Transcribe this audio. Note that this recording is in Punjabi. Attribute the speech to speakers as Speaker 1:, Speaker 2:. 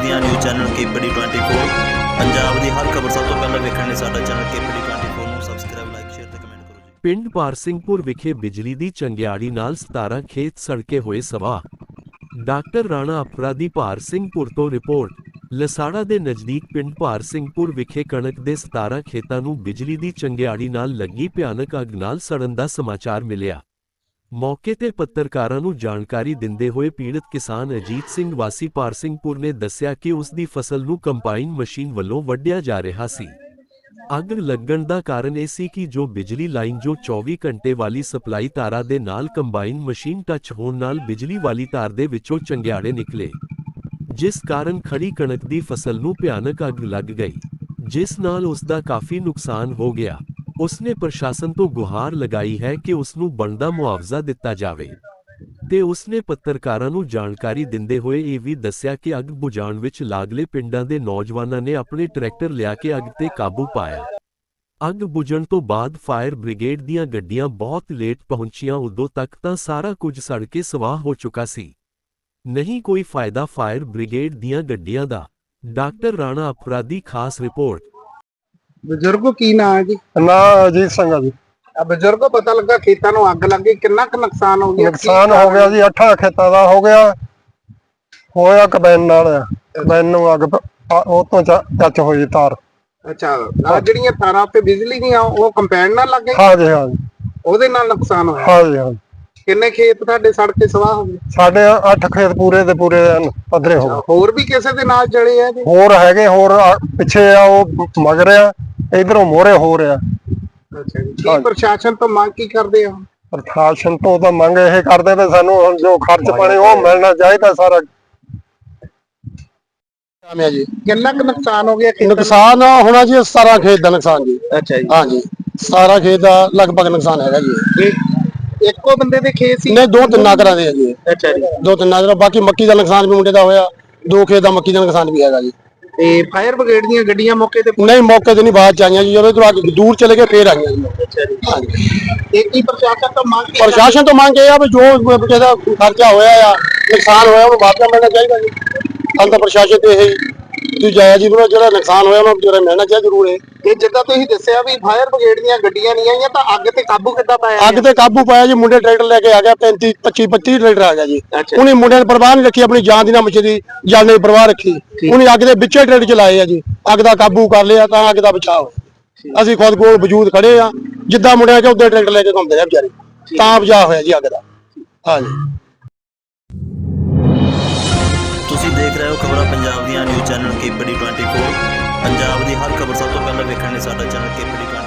Speaker 1: ਦੀਆਂ ਨਿਊਜ਼ ਚੈਨਲ ਕੇਪੀਡੀ 24 ਪੰਜਾਬ ਦੀ ਹਰ ਖਬਰ ਸਭ ਤੋਂ ਪਹਿਲਾਂ ਵੇਖਣ ਲਈ ਸਾਡਾ ਚੈਨਲ ਕੇਪੀਡੀ 24 ਨੂੰ ਸਬਸਕ੍ਰਾਈਬ ਲਾਈਕ ਸ਼ੇਅਰ ਤੇ ਕਮੈਂਟ ਕਰੋ ਜੀ।
Speaker 2: ਪਿੰਡ ਪਾਰਸਿੰਘਪੁਰ ਵਿਖੇ ਬਿਜਲੀ ਦੀ ਚੰਗਿਆੜੀ ਨਾਲ 17 ਖੇਤ ਸੜਕੇ ਹੋਏ ਸਵਾਹ। ਡਾਕਟਰ ਰਾਣਾ ਅਪਰਾਧੀ ਪਾਰਸਿੰਘਪੁਰ ਤੋਂ ਰਿਪੋਰਟ। ਲਸਾੜਾ ਦੇ ਨਜ਼ਦੀਕ ਪਿੰਡ ਪਾਰਸਿੰਘਪੁਰ ਵਿਖੇ ਕਣਕ ਦੇ 17 ਖੇਤਾਂ ਨੂੰ ਬਿਜਲੀ ਦੀ ਚੰਗਿਆੜੀ ਨਾਲ ਲੱਗੀ ਭਿਆਨਕ ਅੱਗ ਨਾਲ ਸੜਨ ਦਾ ਸਮਾਚਾਰ ਮਿਲਿਆ। ਮੌਕੇ ਤੇ ਪੱਤਰਕਾਰਾਂ ਨੂੰ ਜਾਣਕਾਰੀ ਦਿੰਦੇ ਹੋਏ ਪੀੜਤ ਕਿਸਾਨ ਅਜੀਤ ਸਿੰਘ ਵਾਸੀ ਪਾਰਸਿੰਘਪੁਰ ਨੇ ਦੱਸਿਆ ਕਿ ਉਸ ਦੀ ਫਸਲ ਨੂੰ ਕੰਬਾਈਨ ਮਸ਼ੀਨ ਵੱਲੋਂ ਵੱਢਿਆ ਜਾ ਰਿਹਾ ਸੀ। ਅੱਗ ਲੱਗਣ ਦਾ ਕਾਰਨ ਇਹ ਸੀ ਕਿ ਜੋ ਬਿਜਲੀ ਲਾਈਨ ਜੋ 24 ਘੰਟੇ ਵਾਲੀ ਸਪਲਾਈ ਤਾਰਾਂ ਦੇ ਨਾਲ ਕੰਬਾਈਨ ਮਸ਼ੀਨ ਟੱਚ ਹੋਣ ਨਾਲ ਬਿਜਲੀ ਵਾਲੀ ਤਾਰ ਦੇ ਵਿੱਚੋਂ ਚੰਗਿਆੜੇ ਨਿਕਲੇ, ਜਿਸ ਕਾਰਨ ਖੜੀ ਕਣਕ ਦੀ ਫਸਲ ਨੂੰ ਭਿਆਨਕ ਅੱਗ ਲੱਗ ਗਈ, ਜਿਸ ਨਾਲ ਉਸ ਦਾ ਕਾਫੀ ਨੁਕਸਾਨ ਹੋ ਗਿਆ। ਉਸਨੇ ਪ੍ਰਸ਼ਾਸਨ ਤੋਂ ਗੁਹਾਰ ਲਗਾਈ ਹੈ ਕਿ ਉਸ ਨੂੰ ਬਣਦਾ ਮੁਆਵਜ਼ਾ ਦਿੱਤਾ ਜਾਵੇ ਤੇ ਉਸਨੇ ਪੱਤਰਕਾਰਾਂ ਨੂੰ ਜਾਣਕਾਰੀ ਦਿੰਦੇ ਹੋਏ ਇਹ ਵੀ ਦੱਸਿਆ ਕਿ ਅੱਗ ਬੁਝਾਉਣ ਵਿੱਚ ਲਾਗਲੇ ਪਿੰਡਾਂ ਦੇ ਨੌਜਵਾਨਾਂ ਨੇ ਆਪਣੇ ਟਰੈਕਟਰ ਲਿਆ ਕੇ ਅੱਗ ਤੇ ਕਾਬੂ ਪਾਇਆ। ਅੱਗ ਬੁਝਣ ਤੋਂ ਬਾਅਦ ਫਾਇਰ ਬ੍ਰਿਗੇਡ ਦੀਆਂ ਗੱਡੀਆਂ ਬਹੁਤ ਲੇਟ ਪਹੁੰਚੀਆਂ, ਉਦੋਂ ਤੱਕ ਤਾਂ ਸਾਰਾ ਕੁਝ ਸੜ ਕੇ ਸਵਾਹ ਹੋ ਚੁੱਕਾ ਸੀ। ਨਹੀਂ ਕੋਈ ਫਾਇਦਾ ਫਾਇਰ ਬ੍ਰਿਗੇਡ ਦੀਆਂ ਗੱਡੀਆਂ ਦਾ। ਡਾਕਟਰ ਰਾਣਾ ਅਪਰਾਧੀ ਖਾਸ ਰਿਪੋਰਟ।
Speaker 3: ਬਜ਼ੁਰਗੋ ਕੀ ਨਾਂ ਹੈ ਜੀ?
Speaker 4: ਨਾ ਅਜੀਤ ਸਿੰਘ ਆ ਜੀ।
Speaker 3: ਬਜ਼ੁਰਗੋ ਪਤਾ ਲੱਗਾ ਖੇਤਾਂ ਨੂੰ ਅੱਗ ਲੱਗ ਗਈ, ਕਿੰਨਾ ਕੁ ਨੁਕਸਾਨ ਹੋ ਗਿਆ?
Speaker 4: ਨੁਕਸਾਨ ਹੋ ਗਿਆ ਜੀ, 8 ਖੇਤਾਂ ਦਾ ਹੋ ਗਿਆ। ਹੋਇਆ ਕੰਬਾਈਨ ਨਾਲ, ਕੰਬਾਈਨ ਨੂੰ ਅੱਗ ਉਹ ਤੋਂ ਟੱਚ ਹੋਈ ਤਾਰ।
Speaker 3: ਅੱਛਾ, ਆ ਜਿਹੜੀਆਂ ਤਾਰਾਂ ਤੇ ਬਿਜਲੀ ਦੀਆਂ ਉਹ ਕੰਬਾਈਨ ਨਾਲ ਲੱਗ ਗਈ?
Speaker 4: ਹਾਂਜੀ ਹਾਂਜੀ,
Speaker 3: ਉਹਦੇ ਨਾਲ ਨੁਕਸਾਨ ਹੋਇਆ?
Speaker 4: ਹਾਂਜੀ ਹਾਂਜੀ।
Speaker 3: ਕਿੰਨੇ ਖੇਤ ਤੁਹਾਡੇ ਸੜ ਕੇ ਸਵਾਹ ਹੋ ਗਏ?
Speaker 4: ਸਾਡੇ 8 ਖੇਤ ਪੂਰੇ ਦੇ ਪੂਰੇ ਪੱਧਰੇ ਹੋ ਗਏ।
Speaker 3: ਹੋਰ ਵੀ ਕਿਸੇ ਦੇ ਨਾਲ ਜਲੇ ਆ ਜੀ?
Speaker 4: ਹੋਰ ਹੈਗੇ, ਹੋਰ ਪਿੱਛੇ ਆ, ਉਹ ਮਗਰ ਆ, ਇਧਰੋਂ ਮੋਹਰੇ ਹੋ ਰਿਹਾ।
Speaker 3: ਅੱਛਾ ਜੀ, ਕੀ ਪ੍ਰਸ਼ਾਸਨ ਤੋਂ ਮੰਗ ਕੀ ਕਰਦੇ ਆ?
Speaker 4: ਪ੍ਰਸ਼ਾਸਨ ਤੋਂ ਤਾਂ ਮੰਗ ਇਹ ਕਰਦੇ ਨੇ ਸਾਨੂੰ ਹੁਣ ਜੋ ਖਰਚ ਪਾਣੀ ਉਹ ਮਿਲਣਾ ਚਾਹੀਦਾ ਸਾਰਾ।
Speaker 3: ਜੀ ਕਿੰਨਾ ਕੁ ਨੁਕਸਾਨ ਹੋ ਗਿਆ?
Speaker 4: ਨੁਕਸਾਨ ਹੋਣਾ ਜੀ 17 ਖੇਤ ਦਾ ਨੁਕਸਾਨ ਜੀ।
Speaker 3: ਅੱਛਾ ਜੀ,
Speaker 4: ਹਾਂਜੀ 17 ਖੇਤ ਦਾ ਲਗਭਗ ਨੁਕਸਾਨ ਹੈਗਾ ਜੀ।
Speaker 3: ਇੱਕੋ ਬੰਦੇ ਦੇ ਖੇਤ ਸੀ?
Speaker 4: ਨਹੀਂ, 2-3 ਘਰਾਂ ਦੇ ਆ ਜੀ।
Speaker 3: ਅੱਛਾ ਜੀ,
Speaker 4: 2-3 ਘਰਾਂ। ਬਾਕੀ ਮੱਕੀ ਦਾ ਨੁਕਸਾਨ ਵੀ ਮੁੰਡੇ ਦਾ ਹੋਇਆ, 2 ਖੇਤ ਦਾ ਮੱਕੀ ਦਾ ਨੁਕਸਾਨ ਵੀ ਹੈਗਾ ਜੀ।
Speaker 3: ਤੇ ਫਾਇਰ ਬ੍ਰਿਗੇਡ ਦੀਆਂ ਗੱਡੀਆਂ ਮੌਕੇ ਤੇ?
Speaker 4: ਨਹੀਂ, ਮੌਕੇ ਤੇ ਨਹੀਂ, ਬਾਅਦ ਚ ਆਈਆਂ ਜੀ, ਜਦੋਂ ਤੋਂ ਦੂਰ ਚਲੇ ਗਏ ਫੇਰ ਆਈਆਂ ਜੀ।
Speaker 3: ਅੱਛਾ ਜੀ, ਹਾਂਜੀ। ਇਹ ਕੀ ਪ੍ਰਸ਼ਾਸਨ ਤੋਂ ਮੰਗ?
Speaker 4: ਪ੍ਰਸ਼ਾਸਨ ਤੋਂ ਮੰਗ ਇਹ ਆ ਵੀ ਜੋ ਜਿਹਦਾ ਖਰਚਾ ਹੋਇਆ ਆ, ਨੁਕਸਾਨ ਹੋਇਆ, ਉਹਨੂੰ ਮੁਆਵਜ਼ਾ ਮਿਲਣਾ ਚਾਹੀਦਾ ਜੀ। ਹਾਲ ਤਾਂ ਪ੍ਰਸ਼ਾਸਨ ਤੇ ਇਹ ਤੁਸੀਂ ਜਾਇਆ ਜੀ, ਜਿਹੜਾ ਨੁਕਸਾਨ ਹੋਇਆ ਉਹਨੂੰ ਜਿਹੜਾ ਮਿਲਣਾ ਚਾਹੀਦਾ ਜ਼ਰੂਰ ਹੈ।
Speaker 3: ਇਹ ਜਿੱਦਾਂ ਤੁਸੀਂ ਦੱਸਿਆ ਵੀ ਫਾਇਰ ਬ੍ਰਿਗੇਡ ਦੀਆਂ ਗੱਡੀਆਂ ਨਹੀਂ ਆਈਆਂ, ਤਾਂ ਅੱਗ ਤੇ ਕਾਬੂ ਕਿੱਦਾਂ ਪਾਇਆ?
Speaker 4: ਅੱਗ ਤੇ ਕਾਬੂ ਪਾਇਆ ਜੀ, ਮੁੰਡੇ ਟਰੈਕਟਰ ਲੈ ਕੇ ਆ ਗਿਆ, 25-30 ਟਰੈਕਟਰ ਆ ਗਿਆ ਜੀ। ਉਹਨੇ ਮੁੰਡਿਆਂ ਨੇ ਪਰਵਾਹ ਨਹੀਂ ਰੱਖੀ, ਆਪਣੀ ਜਾਨ ਦੀ ਨਾ ਮੱਛੀ ਦੀ ਜਾਨ ਦੀ ਪਰਵਾਹ ਰੱਖੀ। ਉਹਨੇ ਅੱਗ ਦੇ ਵਿੱਚੇ ਟਰੈਕਟਰ ਚਲਾਏ ਆ ਜੀ, ਅੱਗ ਦਾ ਕਾਬੂ ਕਰ ਲਿਆ, ਤਾਂ ਅੱਗ ਦਾ ਬਚਾਅ ਹੋਇਆ। ਅਸੀਂ ਖੁਦ ਕੋਲ ਵਜੂਦ ਖੜੇ ਆ, ਜਿੱਦਾਂ ਮੁੰਡਿਆਂ ਚ ਉੱਦਾਂ ਟਰੈਕਟਰ ਲੈ ਕੇ ਘੁੰਮਦੇ ਆ ਵਿਚਾਰੇ, ਤਾਂ ਬਚਾਅ ਹੋਇਆ ਜੀ ਅੱਗ ਦਾ। ਹਾਂਜੀ,
Speaker 1: ਤੁਸੀਂ ਦੇਖ ਰਹੇ ਹੋ ਖਬਰਾਂ ਪੰਜਾਬ ਦੀਆਂ ਨਿਊਜ਼ ਚੈਨਲ ਕੇਪੀਡੀ 24 ਪੰਜਾਬ ਦੀ ਹਰ ਖਬਰ ਸਭ ਤੋਂ ਪਹਿਲਾਂ ਵੇਖਣ ਲਈ ਸਾਡਾ ਚੈਨਲ ਕੇਪੀਡੀ